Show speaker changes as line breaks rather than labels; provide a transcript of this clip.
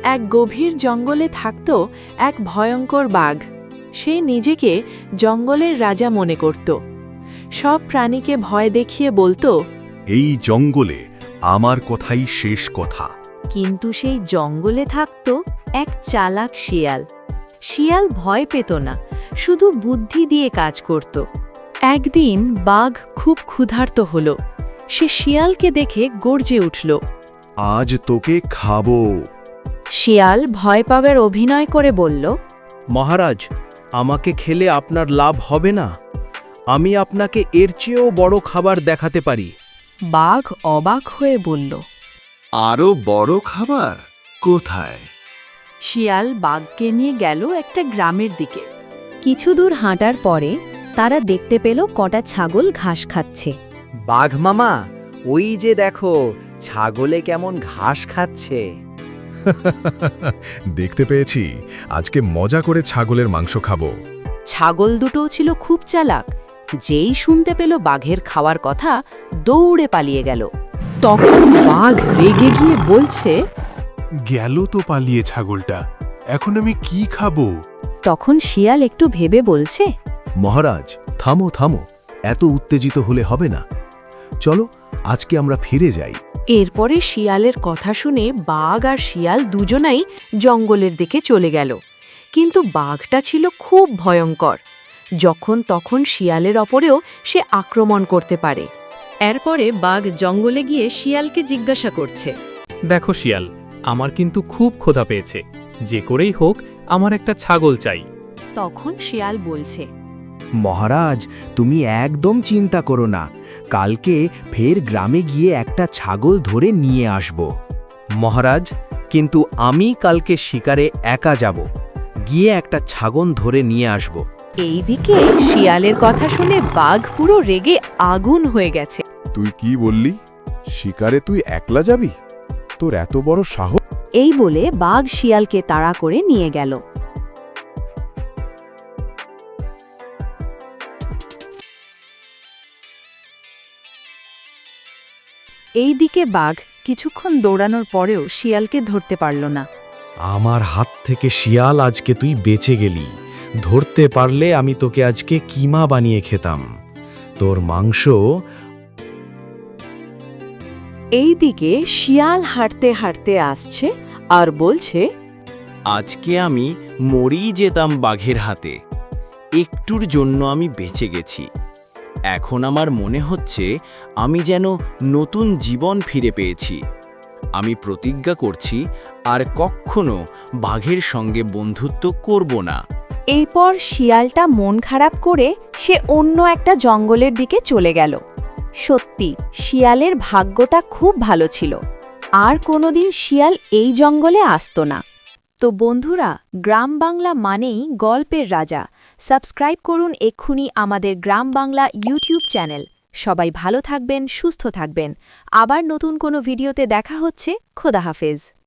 এক গভীর জঙ্গলে থাকত এক ভয়ঙ্কর বাঘ। সে নিজেকে জঙ্গলের রাজা মনে করত। সব প্রাণীকে ভয় দেখিয়ে বলতো,
এই জঙ্গলে আমার কথাই শেষ কথা।
কিন্তু সেই জঙ্গলে থাকত এক চালাক শিয়াল। শিয়াল ভয় পেত না, শুধু বুদ্ধি দিয়ে কাজ করত।
একদিন বাঘ খুব ক্ষুধার্ত হল। সে শিয়ালকে দেখে গর্জে উঠল।
আজ তোকে খাবো।
শিয়াল ভয় পাবার অভিনয় করে বলল,
মহারাজ, আমাকে খেলে আপনার লাভ হবে না। আমি আপনাকে এর চেয়েও বড় খাবার দেখাতে পারি।
বাঘ অবাক হয়ে বলল,
আরো বড় খাবার কোথায়?
শিয়াল বাঘকে নিয়ে গেল একটা গ্রামের দিকে।
কিছু দূর হাঁটার পরে তারা দেখতে পেল কটা ছাগল ঘাস খাচ্ছে।
বাঘ মামা, ওই যে দেখো, ছাগলে কেমন ঘাস খাচ্ছে।
দেখতে পেয়েছি, আজকে মজা করে ছাগলের মাংস খাবো।
ছাগল দুটোও ছিল খুব চালাক। যেই শুনতে পেল বাঘের খাওয়ার কথা, দৌড়ে পালিয়ে গেল।
তখন বাঘ রেগে গিয়ে বলছে,
গেল তো পালিয়ে ছাগলটা, এখন আমি কি খাবো?
তখন শিয়াল একটু ভেবে বলছে,
মহারাজ, থামো থামো, এত উত্তেজিত হলে হবে না। চলো, আজকে আমরা ফিরে যাই।
এরপরে শিয়ালের কথা শুনে বাঘ আর শিয়াল দুজনাই জঙ্গলের দিকে চলে গেল। কিন্তু বাঘটা ছিল খুব ভয়ঙ্কর। যখন তখন শিয়ালের ওপরেও সে আক্রমণ করতে পারে। এরপরে বাঘ জঙ্গলে গিয়ে শিয়ালকে জিজ্ঞাসা করছে,
দেখো শিয়াল, আমার কিন্তু খুব ক্ষুধা পেয়েছে। যে করেই হোক আমার একটা ছাগল চাই।
তখন শিয়াল বলছে,
মহারাজ, তুমি একদম চিন্তা করো না। কালকে ফের গ্রামে গিয়ে একটা ছাগল ধরে নিয়ে আসব। মহারাজ, কিন্তু আমি কালকে শিকারে একা যাব। গিয়ে একটা ছাগল ধরে নিয়ে আসব।
এইদিকে শিয়ালের কথা শুনে বাঘ পুরো রেগে আগুন হয়ে গেছে।
তুই কি বললি? শিকারে তুই একলা যাবি? তোর এত বড় সাহস!
এই বলে বাঘ শিয়ালকে তাড়া করে নিয়ে গেল।
এইদিকে বাঘ কিছুক্ষণ দৌড়ানোর পরেও শিয়ালকে ধরতে পারল না।
আমার হাত থেকে শিয়াল, আজকে তুই বেঁচে গেলি। ধরতে পারলে আমি তোকে আজকে কিমা বানিয়ে খেতাম। তোর মাংস।
এইদিকে শিয়াল হাঁটতে হাঁটতে আসছে আর বলছে,
আজকে আমি মরেই যেতাম বাঘের হাতে। একটুর জন্য আমি বেঁচে গেছি। এখন আমার মনে হচ্ছে আমি যেন নতুন জীবন ফিরে পেয়েছি। আমি প্রতিজ্ঞা করছি আর কখনো বাঘের সঙ্গে বন্ধুত্ব করব না।
এরপর শিয়ালটা মন খারাপ করে সে অন্য একটা জঙ্গলের দিকে চলে গেল। সত্যি শিয়ালের ভাগ্যটা খুব ভালো ছিল। আর কোনোদিন শিয়াল এই জঙ্গলে আসতো না। তো বন্ধুরা, গ্রাম বাংলা মানেই গল্পের রাজা। সাবস্ক্রাইব করুন এক্ষুনি আমাদের গ্রাম বাংলা ইউটিউব চ্যানেল। সবাই ভালো থাকবেন, সুস্থ থাকবেন। আবার নতুন কোনো ভিডিওতে দেখা হচ্ছে। খোদা হাফেজ।